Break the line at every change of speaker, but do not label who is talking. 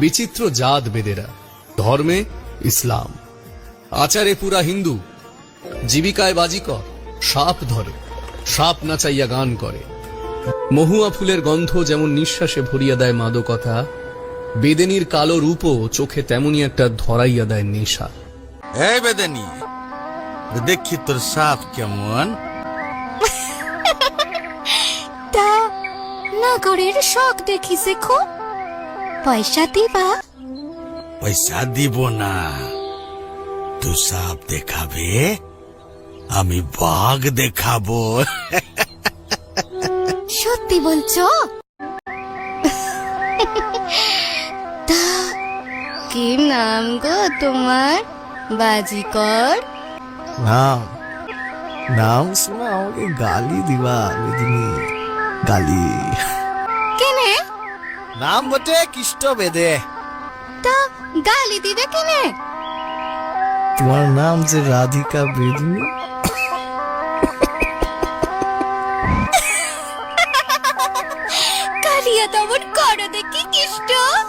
বিচিত্র জাত বেদেরা, ধর্মে ইসলাম, আচারে পুরা হিন্দু, জীবিকায় বাজিকর, সাপ ধরে, সাপ নাচাইয়া গান করে। মহুয়া ফুলের গন্ধ যেমন নিঃশ্বাসে ভরিয়া দেয় মাদকতা, বেদেনীর কালো রূপও চোখে তেমনি একটা ধরাইয়া দেয় নেশা।
এই বেদেনী, দেখি তোর সাপ কেমন।
তা নগরের শখ দেখিছে খুব, পয়সা দিবা?
পয়সা দিব না, তুই সাপ দেখাবে, আমি বাঘ দেখাবো।
সত্যি বলছো? তা কি নাম গো তোমার, বাজিকর?
নাম নাম শোনা আমাকে গালি দিবা বেদিনী, গালি।
কেনে?
নাম বটে কৃষ্ট বেদে।
তা গালি দিবে কেনে?
তোমার নাম যে রাধিকা বেদিনী।
কালিয়া তেমন করো দেখি কৃষ্ণ।